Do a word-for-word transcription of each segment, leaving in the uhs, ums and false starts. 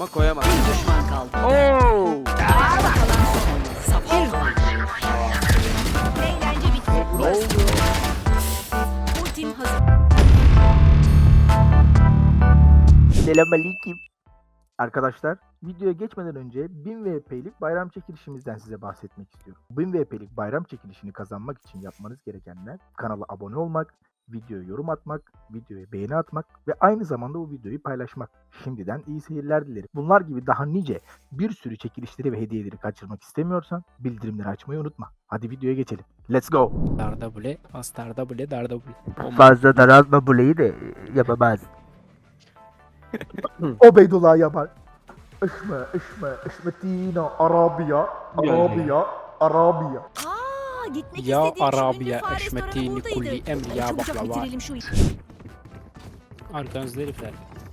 ama koyamam. Bir düşman kaldı. Oo! Ayakta kalan son oyuncu. Safir. Eğlence bitti. Ne oldu? Ultim hazır. Selamünaleyküm. Arkadaşlar, videoya geçmeden önce bin V P'lik bayram çekilişimizden size bahsetmek istiyorum. bin V P'lik bayram çekilişini kazanmak için yapmanız gerekenler kanala abone olmak, videoya yorum atmak, videoya beğeni atmak ve aynı zamanda bu videoyu paylaşmak. Şimdiden iyi seyirler dilerim. Bunlar gibi daha nice bir sürü çekilişleri ve hediyeleri kaçırmak istemiyorsan bildirimleri açmayı unutma. Hadi videoya geçelim. Let's go. Darda bule, as darda bule, darda bule. Fazla daraltma buleyi de yapamaz. Obeydullah yapar. Işme, işme, işmetino, Arabiya, Arabiya, Arabiya. Aa, gitmek Ya istediğim şu ünlü Arabiya, fare eşmetini, restoranı kulli, buradaydı. emri, ya Çabucak baklava. bitirelim şu işi. Arkanızda herifler.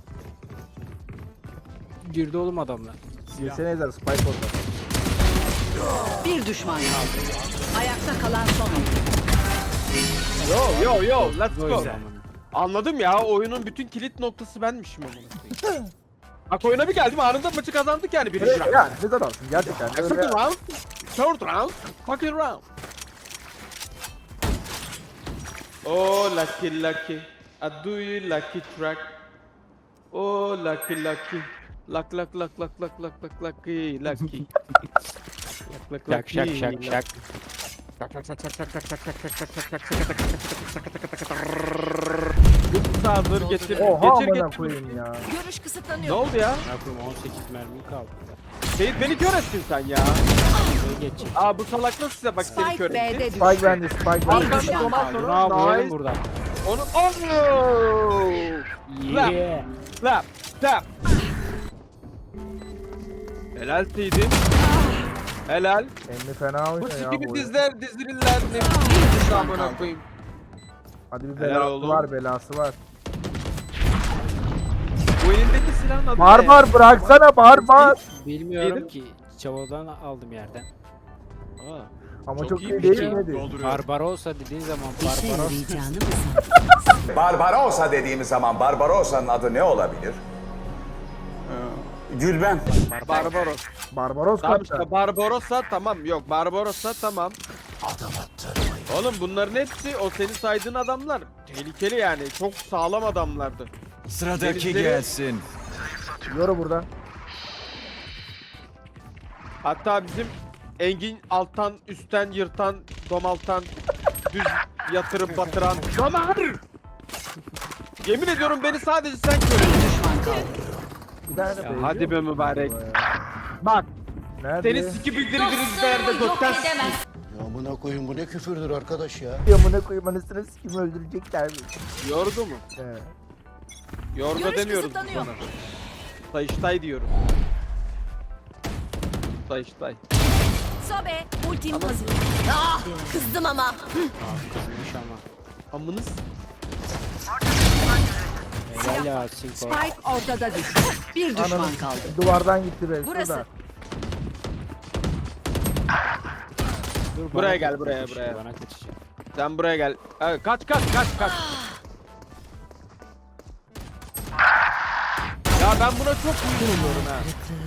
Girdi oğlum adamlar. Silsene ezer, Spike orada. Bir düşman kaldı. Ayakta kalan son oyuncu. Yo yo yo, let's O go. yüzden. Anladım ya, oyunun bütün kilit noktası benmişim onun. Bak oyuna bir geldim, anında maçı kazandık yani birinci round. Yani ne adamsın gerçekten. Second Öyle... round, third round, fucking round. Oh lucky lucky, I do you lucky track. Oh lucky lucky, luck luck luck luck luck luck luck lucky lucky. Luck luck Şak şak lucky, şak luck. şak. Sağdır getir, Oha geçir amına getir. koyayım ya. Görüş Ne kısıtlanıyor. oldu ya? Ne yapayım, on sekiz mermi kaldı. Seyit beni kör ettin sen ya. Böyle geçecek. Aa bu salak nasıl size bak seni kör Spike etti. B'de düştü. Spike bende, Spike bende. Arkanda düşman ondan kaldı. Ne sonra yapıyorum nice. burada? Onu oh! Yeah. Slap, slap. Helal Seyit'im. Helal. Emmi fena Bu oynuyor ya gibi bu. dizler dizirirler ne bir amına koyayım. Hadi bir Helal belası oğlum. var, belası var. Bu elindeki silahın adı ne? Barbar bıraksana barbar. Bilmiyorum Yedim. ki. Çavadan aldım yerden. Aa, Ama Çok çok, iyi iyi bir değil şey. miydi? Barbarossa dediğin zaman İşe Barbaros. yarayacağını mı sandın? Barbarossa dediğimiz zaman Barbarossa'nın adı ne olabilir? Gülben. Barbaros. Barbaros Tamam kaptan. işte Barbarossa tamam. Yok Barbarossa tamam. Oğlum bunların hepsi o senin saydığın adamlar. Tehlikeli yani. Çok sağlam adamlardı. Sıradaki Denizleri- gelsin. Yoru burada. Hatta bizim Engin alttan, üstten yırtan, domaltan, düz yatırıp batıran. Damar! Yemin ediyorum beni sadece sen Bir görüyorsun. düşman kaldı. Bir tane de Ya benziyor hadi be mu? mübarek. Ya. Bak Nerede? seni siki bildiririz yerde gökten s- Ya amına koyun bu ne küfürdür arkadaş ya. Yamına koyayım anasını sikimi öldürecekler mi? Yordu mu? He. Yorga Görüş demiyoruz biz kısıtlanıyor. ona. Sayıştay diyoruz. Sayıştay. Sobe, ultim hazır. Ah, kızdım ama. Kızmış ama. Amınız. Helal ya Sinko. Spike ortada düştü. Bir düşman Ananı kaldı. Duvardan gitti be. Burası. Şurada. Dur, bana Buraya gel, kaç- buraya, kaçış, buraya. Bana kaçacak. Sen buraya gel. Ha, kaç kaç kaç kaç. Ya ben buna çok uygun oluyorum ha.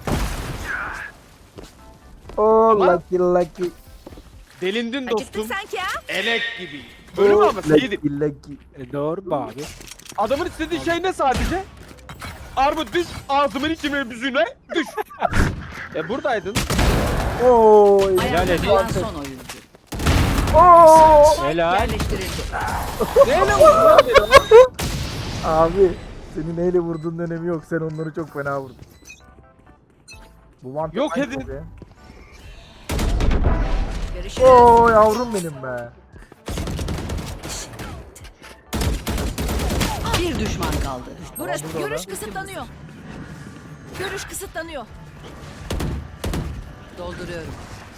Oh Ama- lucky lucky. Delindin Acıktın dostum. sanki ha? Elek gibi. Ölüm Oh, ama Seyit'im. lucky lucky. E, doğru be abi. Adamın istediği şey ne sadece? Armut düş, ağzımın içine büzüne düş. e buradaydın. Oy. Helal Ayakta et. kalan son oyuncu. Oo. Helal. Yerleştirildi. Neyle vurdun lan beni? Abi senin neyle vurduğun önemi yok. Sen onları çok fena vurdun. Bu mantık Yok hangisi edin. be? Görüşürüz. Oo yavrum benim be. Bir düşman kaldı. Burası burada görüş da. kısıtlanıyor. Görüş kısıtlanıyor. Dolduruyorum.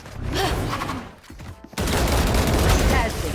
Tersin.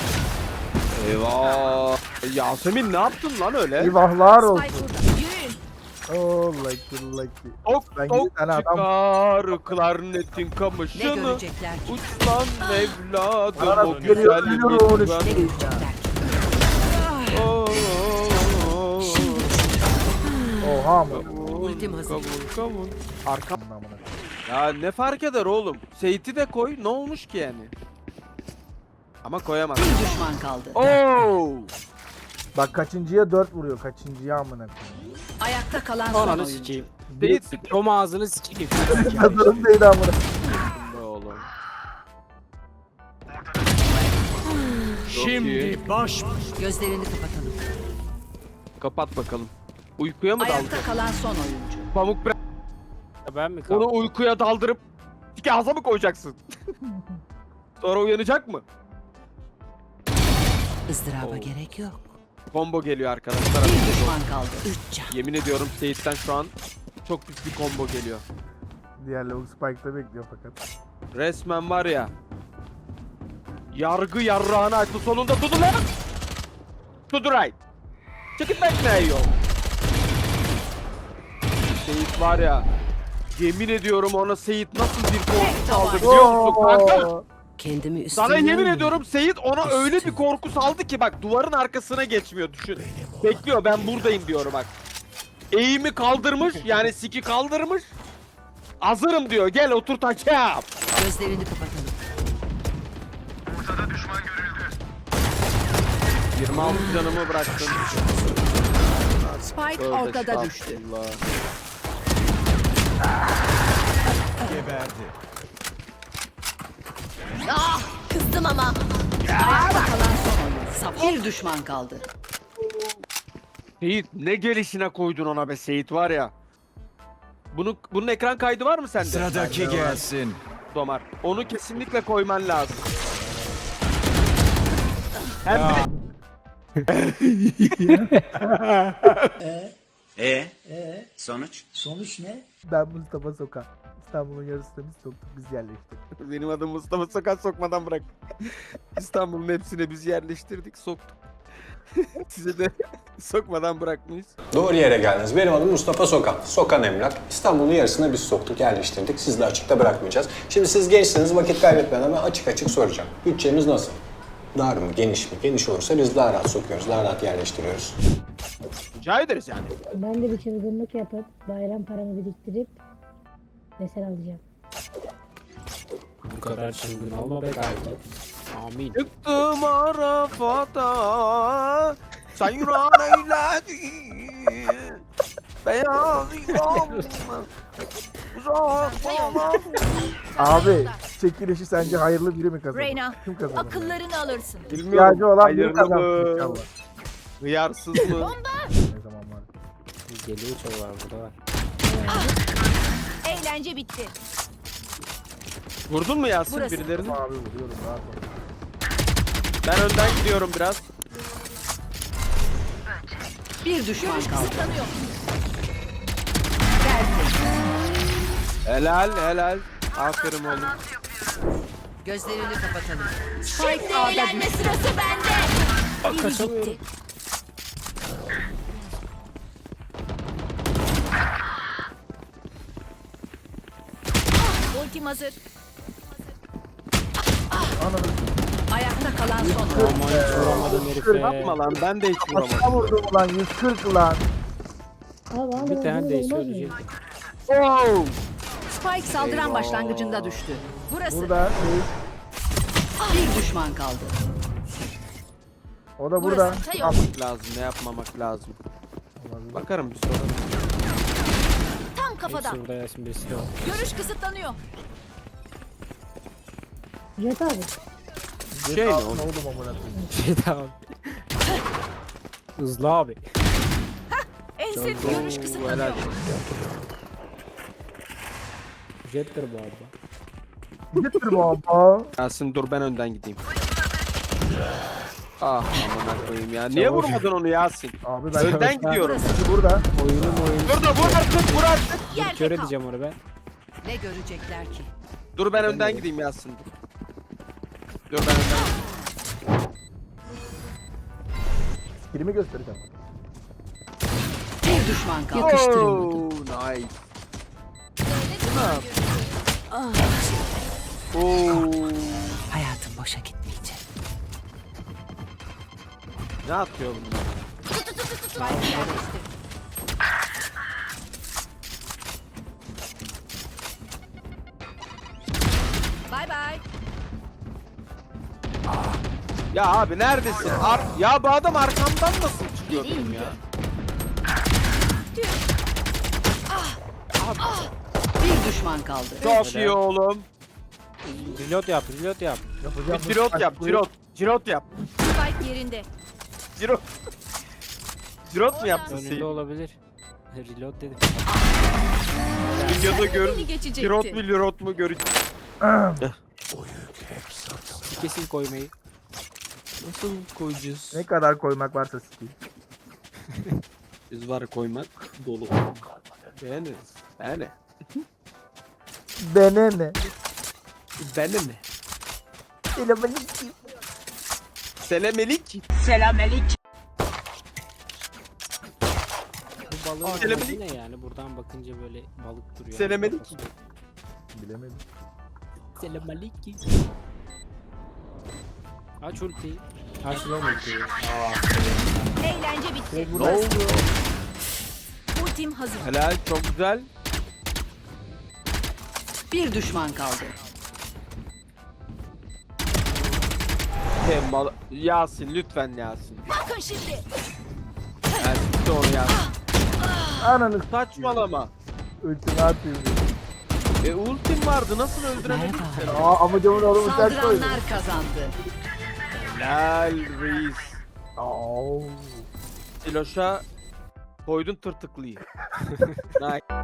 Eyvah. Yasemin ne yaptın lan öyle? Eyvahlar olsun. Spike burada. Yürüyün. Oh lucky lucky. Ok Ben ok bir tane adam- çıkar klarnetin Ne kamışını. görecekler ki? Uç lan evladım Bana o geliyor, güzel geliyor onu lütfen. Ne görecekler ki? Oo, oo, oo. Oha mı? Kavun Ultim hazır. Kabul kabul. Arka. Amına koyayım. Ya ne fark eder oğlum? Seyit'i de koy. Ne olmuş ki yani? Ama koyamaz. Bir düşman kaldı. Oo! Bak kaçıncıya dört vuruyor. Kaçıncıya amına koyayım. Ayakta kalan son Ananı oyuncu. sikeyim. Seyit Tom ağzını sikeyim. Hazırım değil amına. be oğlum. Şimdi baş. Gözlerini kapatalım. Kapat bakalım. Uykuya mı daldı? Ayakta kalan son oyuncu. Pamuk bırak. Ben mi kaldım? Onu uykuya daldırıp tiki ağza mı koyacaksın? Sonra uyanacak mı? Izdıraba Oo. gerek yok. Combo geliyor arkadaşlar. Bir düşman kaldı. Üç can. Yemin ediyorum Seyit'ten şu an çok pis bir combo geliyor. Diğer lavuk Spike'da bekliyor fakat. Resmen var ya. Yargı yarrağını açtı sonunda tutu lan. To the right. Check it back now yo. Seyit var ya. Yemin ediyorum ona Seyit nasıl bir korku saldı biliyor musun kanka? Kendimi üstünden... Sana yemin ediyorum Seyit ona öyle bir korku saldı ki bak duvarın arkasına geçmiyor düşün. Bekliyor ben buradayım diyor bak. Eğimi kaldırmış yani siki kaldırmış. Hazırım diyor gel otur taçam. Gözlerini kapatalım. yirmi altı canımı bıraktım. Spike Tövbe ortada düştü. estağfurullah. Kızdım ama. Ayakta kalan son oyuncu. Saf. Bir düşman kaldı. Seyit ne gelişine koydun ona be Seyit var ya. Bunu, bunun ekran kaydı var mı sende? Sıradaki gelsin. Domar. Onu kesinlikle koyman lazım. Hem de E? Sonuç? Ben Mustafa Sokan. İstanbul'un yarısını biz soktuk, biz yerleştirdik. benim adım Mustafa Sokak sokmadan bırak. İstanbul'un hepsine biz yerleştirdik soktuk. Size de sokmadan bırakmayız. Doğru yere geldiniz. Benim adım Mustafa Sokan. Sokan Emlak. İstanbul'un yarısını biz soktuk, yerleştirdik. Sizi de açıkta bırakmayacağız. Şimdi siz gençsiniz, vakit kaybetmeden ben açık açık soracağım. Bütçemiz nasıl? Dar mı, geniş mi? Geniş olursa biz daha rahat sokuyoruz, daha rahat yerleştiriyoruz. Rica ederiz yani. Ben de bir çılgınlık yapıp bayram paramı biriktirip mesel alacağım. Bu kadar çılgın olma be kanki. Amin. Çıktım Arafat'a sayran eyledin beyaz İmam'ın uzak falan. Abi çekilişi sence hayırlı biri mi kazanır? Reyna, Kim kazanır? Akıllarını alırsın. İhtiyacı olan biri hayırlı kazanır mı? inşallah. Hıyarsız mı? Ne zaman var? Geliyor çoğu var burada var. Eğlence bitti. Vurdun mu Yasin Burası. birilerini? Abi vuruyorum rahat ol. Ben önden gidiyorum biraz. Bir düşman kaldı. Kısıtlanıyor. Helal helal. Aferin oğlum. Gözlerini kapatalım. Şimdi eğlenme sırası bende. Biri gitti. Ultim hazır. Ayakta kalan son oyuncu. Aman hiç vuramadın herife. Yapma lan ben de hiç vuramadım. Kaçta vurdum ulan yüz kırk lan. Abi abi Bir tane abi, değse olmaz mı? ölecek. Oh! Spike saldıran Eyvah. başlangıcında düştü. Burası. Burada değil. Bir düşman kaldı. O da burada. Burası. Tayo. Lazım ne yapmamak lazım. Bakarım bir sonra. Tam kafadan. Hepsi burada Yasin birisi de var. Görüş kısıtlanıyor. Jet abi. Şey ne Ne oğlum? oldu amına koyayım? Şey tamam. Hızlı abi. Ense görüş Oo, kısıtlanıyor. helal. Jettir bu arada. Getir baba. Yasin dur ben önden gideyim. Ah amına koyayım ya. Niye vurmadın onu Yasin? Abi ben Önden gidiyorum. burada. Oyunum oyun. Dur da vur artık vur artık. Yerde Kör kal. edeceğim onu ben. Ne görecekler ki? Dur ben önden gideyim Yasin dur. Dur ben önden gideyim. Skillimi göstereceğim. Bir düşman kaldı. Yakıştırılmadı. Oh, nice. Ah. Oo. Hayatım boşa gitmeyecek. Ne atıyor bunlar? Spike yerleştir. bay. Ya abi neredesin? Ar ya bu adam arkamdan nasıl çıkıyor benim ya? Bir düşman kaldı. Çok iyi oğlum. Reload yap, reload yap. Yapacağım Bir cirot yap, cirot. Cirot yap. Spike yerinde. Cirot. Cirot mu yaptın Önünde sen? olabilir. Reload dedim. Videoda gör. Beni geçecekti. Cirot mu, lirot mu göreceğiz. Kesin koymayı. Nasıl koyacağız? Ne kadar koymak varsa sikeyim. Biz var koymak dolu. Beğeniriz. Beğene. Bene ne? Beğene mi? Selamünaleyküm. Selemelik. Bu balığın Selemelik. amacı ne yani? Buradan bakınca böyle balık duruyor. Selemelik. Bilemedim. Selamünaleyküm. Aç ultiyi. Aç lan ultiyi. Eğlence bitti. Ne oldu? Ultim hazır. Helal, çok güzel. Bir düşman kaldı. Kemal, Yasin lütfen Yasin. Bakın şimdi. Yasin de onu Yasin. Ananı Saçmalama. ultimi atayım. E ultim vardı nasıl öldüremedin ki sen? Aa amcamın oğlu uçak koydu. Saldıranlar kazandı. Helal reis. Aa. Siloş'a koydun tırtıklıyı. Nice.